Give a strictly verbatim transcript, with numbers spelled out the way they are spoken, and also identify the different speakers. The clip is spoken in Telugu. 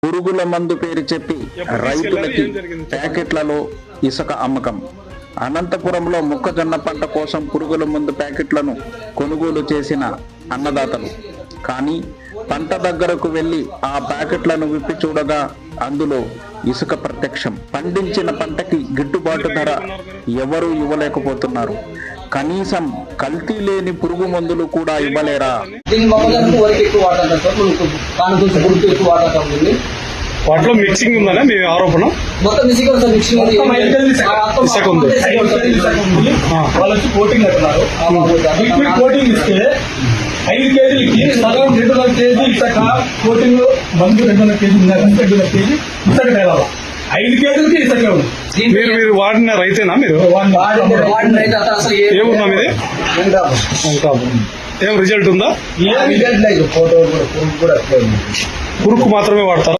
Speaker 1: పురుగుల మందు పేరు చెప్పి రైతులకి ప్యాకెట్లలో ఇసుక అమ్మకం. అనంతపురంలో మొక్కజొన్న పంట కోసం పురుగుల మందు ప్యాకెట్లను కొనుగోలు చేసిన అన్నదాతలు కానీ పంట దగ్గరకు వెళ్లి ఆ ప్యాకెట్లను విప్పి చూడగా అందులో ఇసుక ప్రత్యక్షం. పండించిన పంటకి గిట్టుబాటు ధర ఎవరూ ఇవ్వలేకపోతున్నారు. కనీసం కల్తీ లేని పురుగు మందులు కూడా ఇవ్వలేరా?
Speaker 2: వాటిలో మిక్సింగ్ ఉందనే మీ ఆరోపణ.
Speaker 3: మొత్తం మిక్సింగ్ ఉంది. మిక్సింగ్
Speaker 2: ఇసుక ఉంది.
Speaker 4: వాళ్ళు వచ్చి కోటింగ్ అంటున్నారు. లిక్విడ్ కోటింగ్ ఇస్తే ఐదు కేజీలకి సగం రెండున్నర కేజీ ఇసుక కోటింగ్ మందు రెండున్నర కేజీ రెండున్నర కేజీ ఇసుక తేలాలి. ఐదు కేజీలకి ఇసుక ఉంది.
Speaker 2: మీరు మీరు వాడిన రైతేనా? మీరు ఏమున్నా మీది? ఏం రిజల్ట్ ఉందా?
Speaker 4: ఏం రిజల్ట్ లేదు. ఫోటో కూడా
Speaker 2: పురుగు మాత్రమే వాడతారు.